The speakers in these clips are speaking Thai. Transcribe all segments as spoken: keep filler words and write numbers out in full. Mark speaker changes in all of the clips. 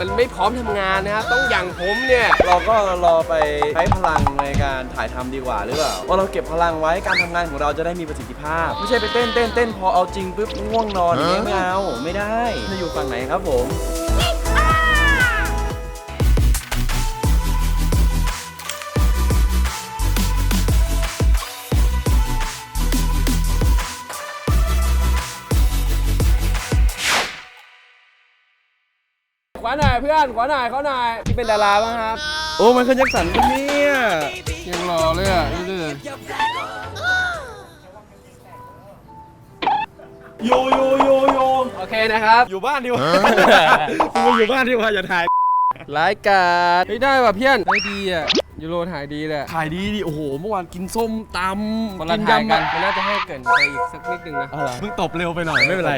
Speaker 1: มันไม่พร้อมทำงานนะครับต้องอย่างผมเนี่ย
Speaker 2: เราก็รอไปใช้พลังในการถ่ายทำดีกว่าหรือเปล่าว่าเราเก็บพลังไว้การทำงานของเราจะได้มีประสิทธิภาพไม่ใช่ไปเต้นเต้นเต้นพอเอาจริงปุ๊บง่วงนอนอย่างเงี้ยไม่เอาไม่ได้จะอยู่ฝั่งไหนครับผม
Speaker 1: ขวาหน่อยเพื่อนขวาหน่อยเขาหน่อยที่เป็นดาราบ้างครับ
Speaker 2: โอ้มันคือแจ็คสันปะเนี่ย
Speaker 1: ยังรอเลยอ่ะดื้อ
Speaker 2: โยโยโยโย
Speaker 1: โอเคนะครับ
Speaker 2: อยู่บ้านดีกว่าคุณอยู่บ้านดีกว่าอย่าถ่าย
Speaker 1: รายการไม่ได้ว่ะเพื่อนไม่ดีอ่ะยูโรถ่ายดีแหละ
Speaker 2: ถ่ายดีดิโอ้โหเมื่อวานกินส้มตำ
Speaker 1: กินยำกันมันน่าจะให้เกินไปอีกสักนิดนึงนะ
Speaker 2: เพิ่งตบเร็วไปหน่อยไม่เป็นไร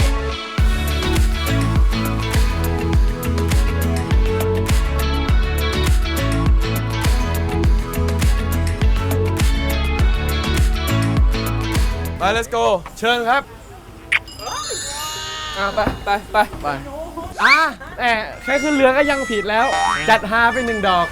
Speaker 2: ไป let's go เชิญครับ
Speaker 1: อ่ะไปไปไป
Speaker 2: ไปอ่ะแต่แค่ขึ้นเรือก็ยังผิดแล้วจัดฮาไปหนึ่งดอก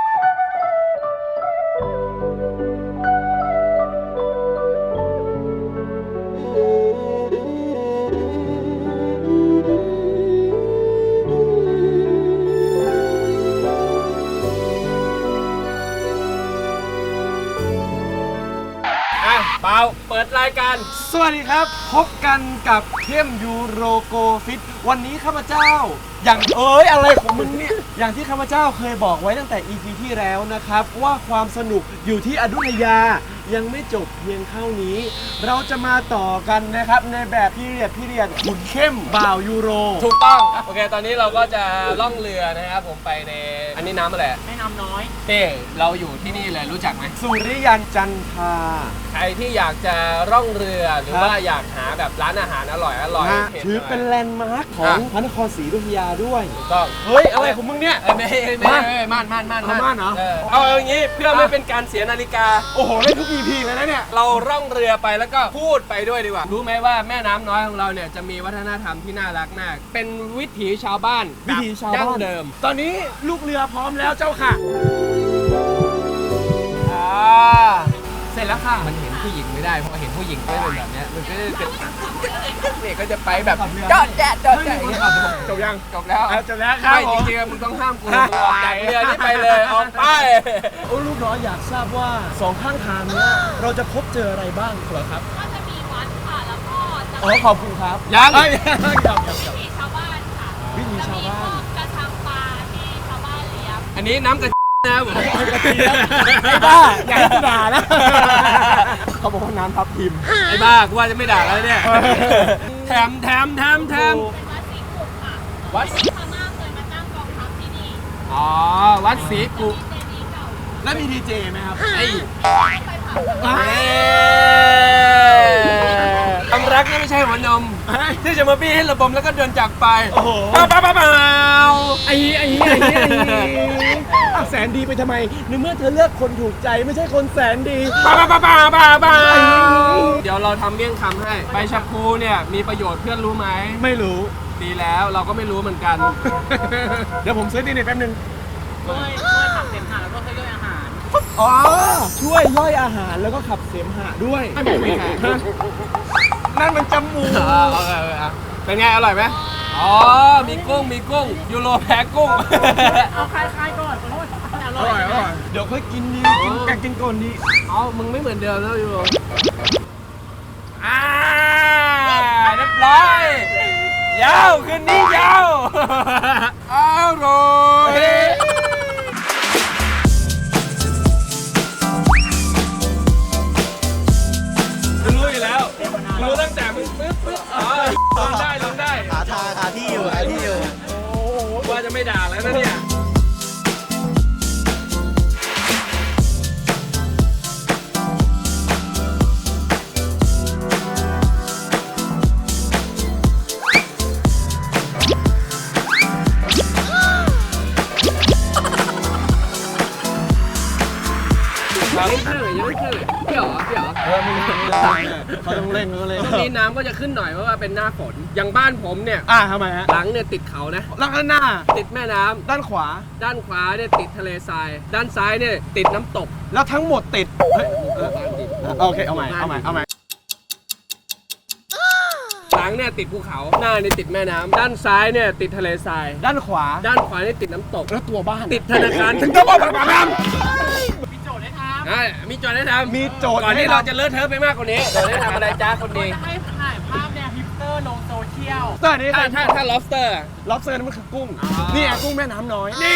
Speaker 1: เปล่าเปิดรายการ
Speaker 2: สวัสดีครับพบกันกับเข้มยูโรโกฟิตวันนี้ข้าพเจ้าอย่างเอ้ยอะไรของมึงเนี่ยอย่างที่ข้าพเจ้าเคยบอกไว้ตั้งแต่ อี พี ที่แล้วนะครับว่าความสนุกอยู่ที่อยุธยายังไม่จบเพียงเท่านี้เราจะมาต่อกันนะครับในแบบพีเรียดพีเรียดขุนเข้มบ่าวยูโร
Speaker 1: ถูกต้องโอเคตอนนี้เราก็จะล่องเรือนะครับผมไปในอันนี้น้ำอะไร
Speaker 3: แม่น้ำน้อย
Speaker 1: เฮ้เราอยู่ที่นี่เลยรู้จักไหม
Speaker 2: สุริยันจันทรา
Speaker 1: ใครที่อยากจะร่องเรือหรือว่าอยากหาแบบร้านอาหารอร่อยอร่อย
Speaker 2: ถือเป็นแลนด์มาร์คของพระนครศรีอยุธยาด้วย
Speaker 1: ถูกต้อง
Speaker 2: เฮ้ยอะไรของมึงเนี่ย
Speaker 1: ไม่ไม่ไม่ม่านม่านม่าน
Speaker 2: ม่านเหรอ
Speaker 1: เอาอย่างนี้เพื่อไม่เป็นการเสียนาฬิกา
Speaker 2: โอ้โหเล่นทุก อี พี เลยนะเนี่ย
Speaker 1: เราร่องเรือไปแล้วก็พูดไปด้วยดีกว่ารู้ไหมว่าแม่น้ำน้อยของเราเนี่ยจะมีวัฒนธรรมที่น่ารักมากเป็นวิถีชาวบ้าน
Speaker 2: วิถีชาวบ้าน
Speaker 1: เดิม
Speaker 2: ตอนนี้ลูกเรือพร้อมแล้วเจ้าค่ะ
Speaker 1: อ่าเสร็จแล้วค่ะมันเห็นผู้หญิงไม่ได้เพราะเห็นผู้หญิงก็เป็นแบบนี้มันก็จะเป็นเนี่ยก็จะไปแบบจอดแจ๊ดจอดแจ๊ด
Speaker 2: จบยัง
Speaker 1: จบแล้ว
Speaker 2: จบแล้วครับ
Speaker 1: ไม่จริงๆมึงต้องห้ามกูออกจากเรือนี่ไปเลยออกไป
Speaker 2: โอ้ลูกน้อยอยากทราบว่าสองข้างทางนี้เราจะพบเจออะไรบ้างเหรอครับ
Speaker 3: ก็จะมีวัดค่ะแล้วก็จะ
Speaker 2: อ๋อขอบคุณครับ
Speaker 1: ยัง
Speaker 3: วิถีชาวบ้านค่ะ
Speaker 2: วิถีชาวบ้าน
Speaker 3: กระชังปลาที่ชาวบ้านเลี้ยง
Speaker 1: อันนี้น้ำกระนะผม
Speaker 2: ไอ้บ้าอย่าให้กูด่านะเขาบอกว่าน้ำทับทิม
Speaker 1: ไอ้บ้ากูว่าจะไม่ด่าแล้วเนี่ยแถมแถมแถมแถม
Speaker 3: วัดศรีกุกค่ะวัดพม่าเคยมาตั้งกองทัพที่นี่
Speaker 1: อ๋อวัดศรีกุก
Speaker 2: แล้วมีดีเจไหมครับ
Speaker 1: ไอ้ความรักนี่ไม่ใช่หัวนมที่จะมาปี้ให้ระบมแล้วก็เดินจากไป
Speaker 2: โอ้โห
Speaker 1: เปล่าเปล่าเปล่า
Speaker 2: ไอ้ไอ้ไอ้ไอ้แสนดีไปทำไมในเมื่อเธอเลือกคนถูกใจไม่ใช่คนแสนดี
Speaker 1: เปล่าเปล่าเปล่าเปล่าเปล่าเดี๋ยวเราทำเมี่ยงคำให้ใบชะพูเนี่ยมีประโยชน์เพื่อนรู้ไหม
Speaker 2: ไม่รู้
Speaker 1: ดีแล้วเราก็ไม่รู้เหมือนกัน
Speaker 2: เดี๋ยวผมซื้อดีเน็ตแป๊บนึง
Speaker 3: ช่วยช่วยขับเสมหะแล้วก็ช่วยย่อยอาหาร
Speaker 2: อ๋อช่วยย่อยอาหารแล้วก็ขับเสมหะด้วยนั่นมันจมูก
Speaker 1: เป็นไงอร่อยไหมอ๋อมีกุ้งมีกุ้งยูโรแพ้กุ้ง
Speaker 3: เอาคลายๆก่อนอร่อยอร่อย
Speaker 2: เดี๋ยวค่อยกินดีกินกันกินก่อนดี
Speaker 1: เอามึงไม่เหมือนเดิมแล้วยูโรอ่าเรียบร้อยยาวคืนนี้ยาวอร่อยรู้อยู่แล้วรู้ตั้งแต่มึงปึ๊บปึ๊บอ๋อลงได้ลงได้
Speaker 2: ขาทาขาที่อยู่ขาที่อยู่
Speaker 1: โอ้โหว่าจะไม่ด่าแล้วนะเนี่ยยังไม่ขึ้นเลยยังไม่ขึ้นเลยเปรี้ยวเหรอเปรี้ยวเออมึง
Speaker 2: เขาต้องเล่นเขาต้องเล่น
Speaker 4: ช่วงนี้น้ำก็จะขึ้นหน่อยเพราะว่าเป็นหน้าฝนอย่างบ้านผมเนี่ย
Speaker 2: อ่าทำไมฮะ
Speaker 4: หลังเนี่ยติดเขานะ
Speaker 2: แล้วข้างหน้า
Speaker 4: ติดแม่น้ำ
Speaker 2: ด้านขวา
Speaker 4: ด้านขวาเนี่ยติดทะเลทราย ด้านซ้ายเนี่ยติดน้ำตก
Speaker 2: แล้วทั้งหมดติดเฮ้ยเออ
Speaker 4: บ้านติด
Speaker 2: โอเคเอาใหม่เอาใหม่เอาใหม่
Speaker 4: หลังเนี่ยติดภูเขาหน้าเนี่ยติดแม่น้ำด้านซ้ายเนี่ยติดทะเลทราย
Speaker 2: ด้านขวา
Speaker 4: ด้านขวาเนี่ยติดน้ำตก
Speaker 2: แล้วตัวบ้าน
Speaker 4: ติดธนาคาร
Speaker 2: ถึงตัวบ้านปากน้
Speaker 3: มีโจทย์ให้ท
Speaker 4: อ่ะมีโจทย์ให้ทำ
Speaker 2: มีโจทย์
Speaker 4: ก่อนที่
Speaker 2: ให้ทำ
Speaker 4: เราจะเลอะเทอะไปมากกว่านี้โจทย์ให้ทำอะไรจ้าคน
Speaker 3: ำ
Speaker 4: ดี
Speaker 3: จะให้ถ่ายภาพแนวฮิปสเตอร์ลงโซเชียล
Speaker 2: ำเตอร์นี่
Speaker 4: ถ้าถ้าถ้า lobster อะ
Speaker 2: ล็อบสเตอร์นั่นมันคือกุ้ง
Speaker 4: อ๋อ
Speaker 2: นี่ไงกุ้งแม่น้ำน้อย
Speaker 4: นี่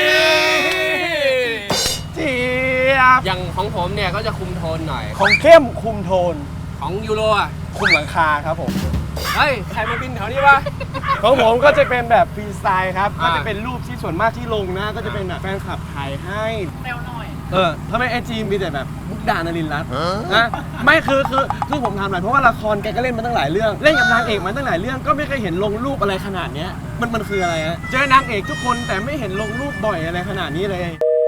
Speaker 2: เจี๊ยบ
Speaker 4: อย่างของผมเนี่ยก็จะคุมโทนหน่อย
Speaker 2: ของเข้มคุมโทน
Speaker 4: ของยูโรอ่ะ
Speaker 2: คุมหลังคาครับผม
Speaker 4: เฮ้ย ใครมาบินแถวนี้วะ
Speaker 2: ของผมก็จะเป็นแบบฟรีสไตล์ครับ ก็
Speaker 4: อ่า
Speaker 2: จะเป็นรูปที่ส่วนมากที่ลงนะ ก็จะเป็นแบบแฟนคลับถ่ายให้
Speaker 3: เร็วหน่อย
Speaker 2: เออทำไมไอจีมีแต่แบบมุกดานรินทร์รัตน์นะไม่คือคือคือผมทำหน่อยเพราะว่าละครแกก็เล่นมาตั้งหลายเรื่อง เล่นกับนางเอกมาตั้งหลายเรื่อง ก็ไม่เคยเห็นลงรูปอะไรขนาดเนี้ย มันมันคืออะไรฮะ เจอนางเอกทุกคนแต่ไม่เห็นลงรูปบ่อยอะไรขนาดนี้เลย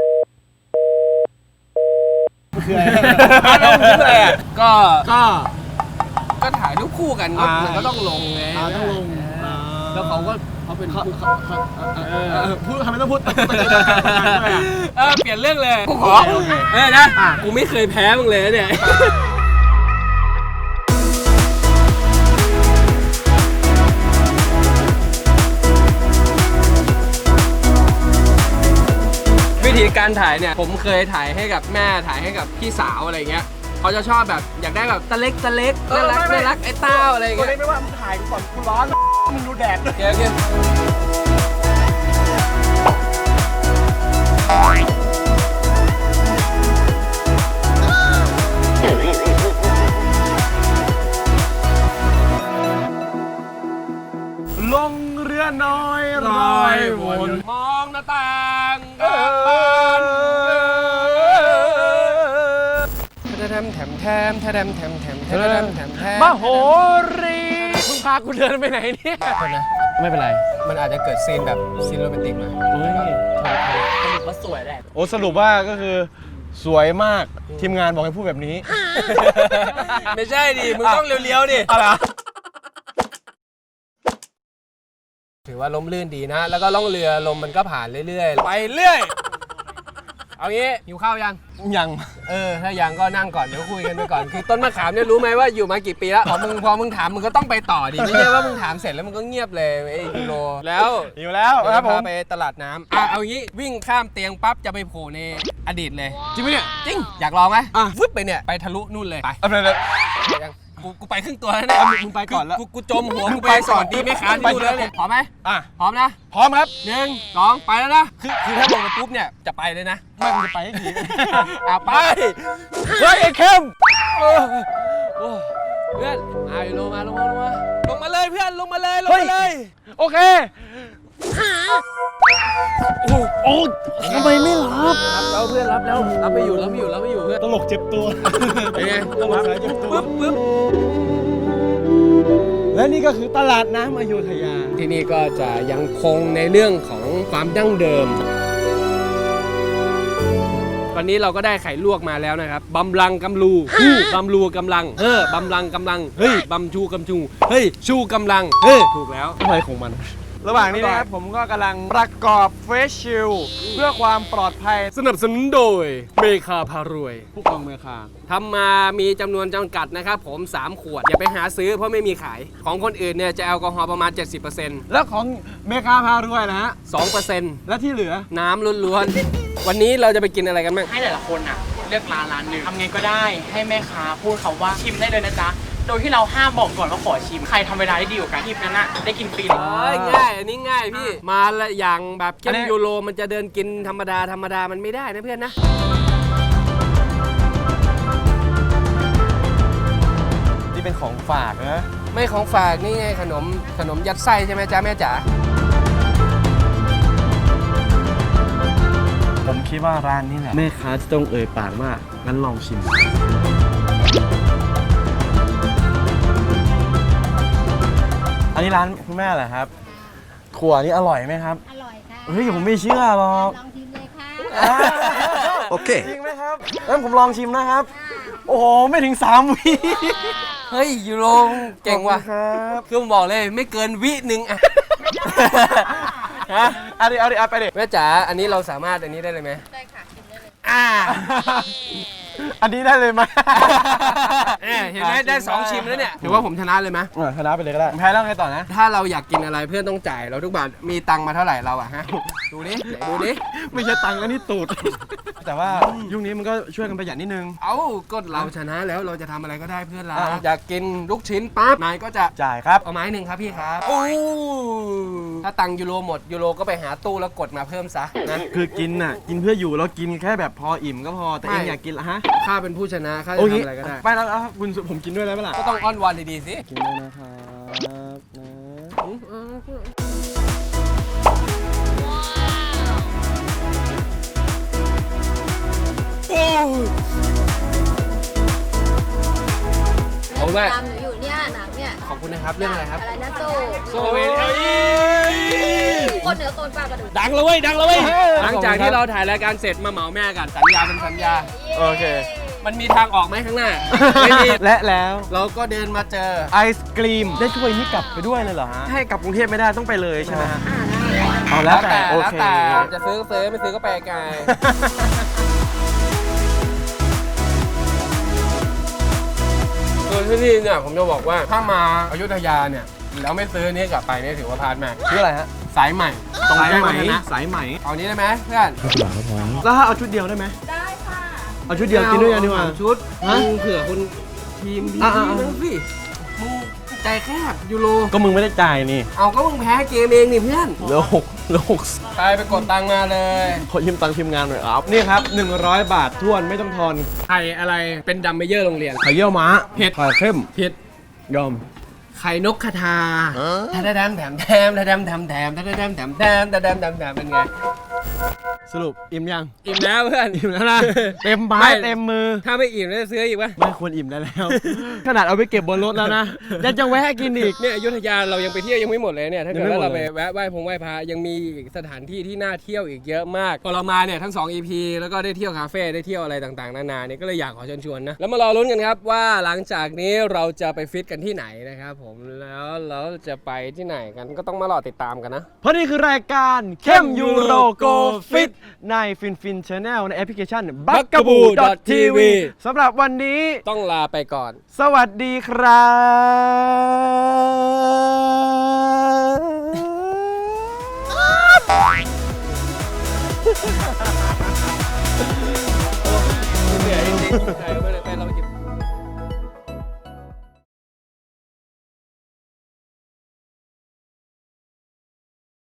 Speaker 2: มันคืออะไรเราคิดอะไรอ่ะ
Speaker 4: ก็
Speaker 2: ก็
Speaker 4: ก็ถ่ายรูปคู่กันก็
Speaker 2: อ่ามั
Speaker 4: มันก็ต้องลงไง
Speaker 2: อ่าต้องลงอ่า
Speaker 4: แล้วเขาก็เขาเป็น
Speaker 2: เขา
Speaker 4: ผู้
Speaker 2: เขาเขาเออเออพูดทำไมต้องพูด
Speaker 4: เออเปลี่ยนเรื่องเลยกูขอ
Speaker 2: โอเค
Speaker 4: เออนะ
Speaker 2: อ่ะ
Speaker 4: กูไม่เคยแพ้มึงเลยนะเนี่ยวิธีการถ่ายเนี่ยผมเคยถ่ายให้กับแม่ถ่ายให้กับพี่สาวอะไรเงี้ยเขาจะชอบแบบอยากได้แบบตะเล็กตะเล็กน่ารักน่ารักไอ้เต้าอะไร
Speaker 2: ตัว
Speaker 4: เงี้ย
Speaker 2: นี้ไม่ว่ามึงถ่ายกูก่อนกูร้อน มึงดูแดดด้วย
Speaker 4: โอเคโอเค
Speaker 2: ลงเรือน้อยร้อยวน
Speaker 4: มองหน้าต่าง
Speaker 2: เอ
Speaker 4: บ้าน
Speaker 2: อ
Speaker 4: แถมแถมแถมแถมแถมแถมแถมแถมแถม
Speaker 2: มโหรีมึงพากูเดินไปไหนเนี่ย ไม่เป็นไร
Speaker 4: มันอาจจะเกิดซีนแบบซีนโรแมนติกมา
Speaker 3: ว่าสวยแหละ
Speaker 2: โอ้สรุปว่าก็คือสวยมากทีมงานบอกให้พูดแบบนี้
Speaker 4: ไม่ใช่ดิ มึงต้องเลี้ยวๆดิ
Speaker 2: อะไร
Speaker 4: ถือว่าล้มลื่นดีนะ แล้วก็ล่องเรือลมมันก็ผ่านเรื่อยๆ ไปเรื่อย เอางี้หิวข้าวยัง
Speaker 2: ยัง
Speaker 4: เออ ถ้ายังก็นั่งก่อน เดี๋ยวคุยกันไปก่อน คือต้นมะขามเนี่ยรู้ไหมว่าอยู่มากี่ปีแล้ว พอมึงพอมึงถามมึงก็ต้องไปต่อดิ ไม่ใช่ว่ามึงถามเสร็จแล้วมึงก็เงียบเลยไอ้ยูโร แล้ว
Speaker 2: อยู่แล้ว
Speaker 4: เดี๋ยว
Speaker 2: ครับ
Speaker 4: จะ
Speaker 2: ผ
Speaker 4: พาม ไปตลาดน้ำอ่ะเอางี้วิ่งข้ามเตียงปั๊บจะไปโผล่ในอดีตเลย
Speaker 2: จริงไหมเนี่ย
Speaker 4: จริง อยากลองไหม
Speaker 2: อ่ะ
Speaker 4: ฟึบไปเนี่ย ไปทะลุนู่นเลย ไป
Speaker 2: เอาไปเลย
Speaker 4: ยังกูกูไปครึ่งตัวแล้วเนี่ย
Speaker 2: เอามึงไปก่อนแล้ว
Speaker 4: กูกูจมหัวกู
Speaker 2: ไป
Speaker 4: ไป
Speaker 2: ก่
Speaker 4: ส
Speaker 2: อน
Speaker 4: วัสดีแม่ค้าที่ดูแล้วเนี่ยพร้อมไหม
Speaker 2: อ่ะ
Speaker 4: พร้อมนะ
Speaker 2: พร้อมครับ
Speaker 4: หนึ่งสองไปแล้วนะคือคือถ้าลงไปปุ๊บเนี่ยจะไปเลยนะ
Speaker 2: ไม่มึงจะไปให้ดี
Speaker 4: อ่ะไป
Speaker 2: เฮ้ยไอ้เข้ม
Speaker 4: โอ้โอ้เพื่อนอ่ะลงมาลงมาลงมาลงมาเลยเพื่อนลงมาเลยลงมาเลย
Speaker 2: โอเคโอ้โอ้ทำไมไม่รับ
Speaker 4: รับแล้วเพื่อนรับแล้วรับไปอยู่รับไปอยู่รับไปอยู่เพื่อน
Speaker 2: ตลกเจ็บตัว
Speaker 4: เป็นไง
Speaker 2: ตลกสายเจ็บตัว
Speaker 4: ปึ๊บปึ๊บ
Speaker 2: และนี่ก็คือตลาดน้ำอโยธยา
Speaker 4: ที่นี่ก็จะยังคงในเรื่องของความดั้งเดิม วันนี้เราก็ได้ไข่ลวกมาแล้วนะครับบำลังกำลูบำลูกำลัง เออบำลังกำลัง เฮ้ยบำชูกำชู เฮ้ย ชูกำลัง เฮ้ย ถูกแล้ว
Speaker 2: อะไรของมัน ระหว่างนี้นะครับผมก็กำลังประกอบเฟสชิลเพื่อความปลอดภัย
Speaker 4: สนับสนุนโดยเมคาพารวย
Speaker 2: ผู้กองเมืองคา
Speaker 4: ทำมามีจำนวนจำกัดนะครับผม สาม ขวด อย่าไปหาซื้อเพราะไม่มีขาย ของคนอื่นเนี่ยจะแอลกอฮอล์ประมาณ เจ็ดสิบเปอร์เซ็นต์
Speaker 2: แล้วของเมคาพารวยนะฮะ
Speaker 4: สองเปอร์เซ็นต์
Speaker 2: และที่เหลือ
Speaker 4: น้ำล้วนๆ วันนี้เราจะไปกินอะไรกันบ้าง
Speaker 3: ให้แต่ละคนอ่ะเลือกร้านร้านหนึ่งทำไงก็ได้ให้แม่ค้าพูดคำว่าชิมได้เลยนะจ๊ะ โดยที่เราห้ามบอกก่อนว่าขอชิม ใครทำเวลาได้ดีกว่ากันทีมนั้นอะได้กินฟรีเลย
Speaker 4: เอ้ยง่าย อันนี้ง่ายพี่ มาละอย่างแบบเข้
Speaker 2: อัน
Speaker 4: ม
Speaker 2: นี้
Speaker 4: ยูโรมันจะเดินกินธรรมดาธรรมดามันไม่ได้นะเพื่อนนะ
Speaker 2: นี่เป็นของฝากนะ
Speaker 4: ไม่ของฝากนี่ไงขนมขนมยัดไส้ใช่ไหมจ๊ะแม่จ๋า
Speaker 2: ผมคิดว่าร้านนี้แหละแม่ค้าจะต้องเอ่ยปากว่างั้นลองชิม อันนี้ร้านคุณแม่เหรอครับถั่วนี่อร่อยไหมครับ
Speaker 5: อร่อยค่ะ
Speaker 2: เฮ้ยผมไม่เชื่อหรอก
Speaker 5: ลองชิมเลยค่ะ
Speaker 2: โอเคจริงไหมครับงั้นผมลองชิมนะครับ
Speaker 5: ค่ะ
Speaker 2: โอ้โหไม่ถึงสามวิ
Speaker 4: เฮ้ยยูโรเก่งว่ะ
Speaker 2: ขอบคุณครับ
Speaker 4: คือผมบอกเลยไม่เกินวิหนึ่งอะฮะ
Speaker 2: เอาดิเอาดิเอาไปดิ
Speaker 4: แม่จ๋าอันนี้เราสามารถอันนี้ได้เลยไหม
Speaker 5: ได้ค่ะชิมได้เลย
Speaker 4: อ่า
Speaker 2: อันนี้ได้เลยไหม
Speaker 4: เนี่ยเห็นไหมได้สองชิมแล้วเนี่ยถือว่าผมชนะเลยไหม
Speaker 2: เออชนะไปเลยก็ได้แพ้แล้วไงต่อนะ
Speaker 4: ถ้าเราอยากกินอะไรเพื่อนต้องจ่ายเราทุกบาทมีตังค์มาเท่าไหร่เราอะฮะดูดิไหนดูดิ
Speaker 2: ไม่ใช่ตังค์แล้วนี่ตูด แต่ว่ายุคนี้มันก็ช่วยกันประหยัดนิดนึง
Speaker 4: เอ้าก็เราชนะแล้วเราจะทำอะไรก็ได้เพื่อนเรา
Speaker 2: อ่ะ
Speaker 4: อยากกินลูกชิ้นปั๊บนายก็จะ
Speaker 2: จ่ายครับ
Speaker 4: เอาไม้หนึ่งครับพี่ครับโอ้ถ้าตังค์ยูโรหมดยูโรก็ไปหาตู้แล้วกดมาเพิ่มซะนะ
Speaker 2: คือกินน่ะกินเพื่ออยู่แล้วกินแค่แบบพออิ่มก็พอแต่เอง
Speaker 4: ไม่
Speaker 2: อยากกินละฮะ
Speaker 4: ข้าเป็นผู้ชนะข้าจะ
Speaker 2: โอเค
Speaker 4: ทำอะไรก็ได้
Speaker 2: ไปแล้วเอาคุณผมกินด้วยได้ไหมล่ะ
Speaker 4: ก็ต้องอ้อนวอนดีๆสิ
Speaker 2: กินด้วยนะครับนะโอ้ย
Speaker 4: ขอบคุณมาก
Speaker 5: ตามหนูอยู่เนี่ยหนังเนี่ย
Speaker 4: ขอบคุณนะครับเรื่องอะไรครับ
Speaker 5: อะไรนะโซ่
Speaker 4: โซเวนเอ้ย
Speaker 5: คนเหนือคนปลากระดูก
Speaker 4: ดังเลยเว้ยดังเลยเว้ยหลังจากที่เราถ่ายรายการเสร็จมาเหมาแม่กันสัญญาเป็นสัญญา
Speaker 2: โอเค
Speaker 4: มันมีทางออกไหมข้างหน้า ไม่มี
Speaker 2: และแล้ว
Speaker 4: เราก็เดินมาเจอ
Speaker 2: ไอศกรีมได้ถ้วยนี้กลับไปด้วยเลยเหรอฮะให้กลับกรุงเทพไม่ได้ต้องไปเลยใช่ไหมฮะเอาแล้วแต่โอ
Speaker 4: แล้ว
Speaker 2: เค
Speaker 4: แต่จะซื้อก็ซื้อไม่ซื้อก็ไปไกลส่วนที่นี่เนี่ยผมจะบอกว่าถ้ามาอยุธยาเนี่ยแล้วไม่ซื้อนี่กลับไปเนี่ยถือว่าพลาดมาก
Speaker 2: ชื่ออะไรฮะ
Speaker 4: สายใหม่ตรง
Speaker 2: สาย
Speaker 4: แจ้ง
Speaker 2: ไหม
Speaker 4: วัฒนะ
Speaker 2: สายไหม
Speaker 4: เอานี้ได้ไหมเพื่อน
Speaker 2: แล้วถ้าเอาชุดเดียวได้ไหม
Speaker 5: ได้ค่ะ
Speaker 2: เอาชุดเดียวกินด้วยกันดีกว่า
Speaker 4: เอชุด
Speaker 2: ฮะ
Speaker 4: มึงเผื่อคนทีมดี
Speaker 2: อ่ะอ่ะ
Speaker 4: ๆ
Speaker 2: อ่ะ
Speaker 4: นึงสิมึงใจแคบยูโร
Speaker 2: ก็มึงไม่ได้จ่ายนี่
Speaker 4: เอาก็มึงแพ้เกมเองนี่เพื่อน
Speaker 2: เหลือหกเหลือหก
Speaker 4: ไปไปกดตังค์มาเลย
Speaker 2: ขอยืมตังค์ทีมงานหน่อยครับนี่ครับหนึ่งร้อยบาททวนไม่ต้องทอน
Speaker 4: ไข่อะไรเป็นดัมเมเยอร์โรงเรียน
Speaker 2: ไข่เยี่ยวม้า
Speaker 4: เผ็ด
Speaker 2: ไข่เข้ม
Speaker 4: เผ็ด
Speaker 2: ยอม
Speaker 4: ไข่นกกระทาทะแดมแถมแถมทะแดมแถมแถมทะแดมแถมแถมทะแดมแถมแถมเป็นไง
Speaker 2: สรุปอิ่มยัง
Speaker 4: อิ่มแล้วเพื่อน
Speaker 2: อิ่มแล้วนะ เต็มไม้
Speaker 4: ไม่
Speaker 2: เต็มมือ
Speaker 4: ถ้าไม่อิ่มแล้วจะซื้ออีกปะ
Speaker 2: ไม่ควรอิ่มได้แล้ว ขนาดเอาไปเก็บบนรถแล้วนะยังจะแวะกินอีก
Speaker 4: เนี่ยอยุธยาเรายังไปเที่ยวยังไม่หมดเลยเนี่ยถ้าเกิด
Speaker 2: ยังไม่
Speaker 4: ว่า
Speaker 2: หมด
Speaker 4: เราไป
Speaker 2: เลย
Speaker 4: แวะไหว้พงไหว้พระยังมีอีกสถานที่ที่น่าเที่ยวอีกเยอะมากพอเรามาเนี่ยทั้งสอง อี พี แล้วก็ได้เที่ยวคาเฟ่ได้เที่ยวอะไรต่างๆนานาเนี่ยก็เลยอยากขอเชิญชวนนะแล้วมารอลุ้นกันครับว่าหลังจากนี้เราจะไปฟิตกันที่ไหนนะครับผมแล้วเราจะไปที่ไหนกันก็ต้องมารอติดตามกันนะ
Speaker 2: เพราะนี่คือรายการเข้มยูโรโกฟิตในฟินฟินชาแนลในแอปพลิเคชัน บักกะบู ทีวี สำหรับวันนี้
Speaker 4: ต้องลาไปก่อน
Speaker 2: สวัสดีครับ
Speaker 4: เหนื่อยจริงๆ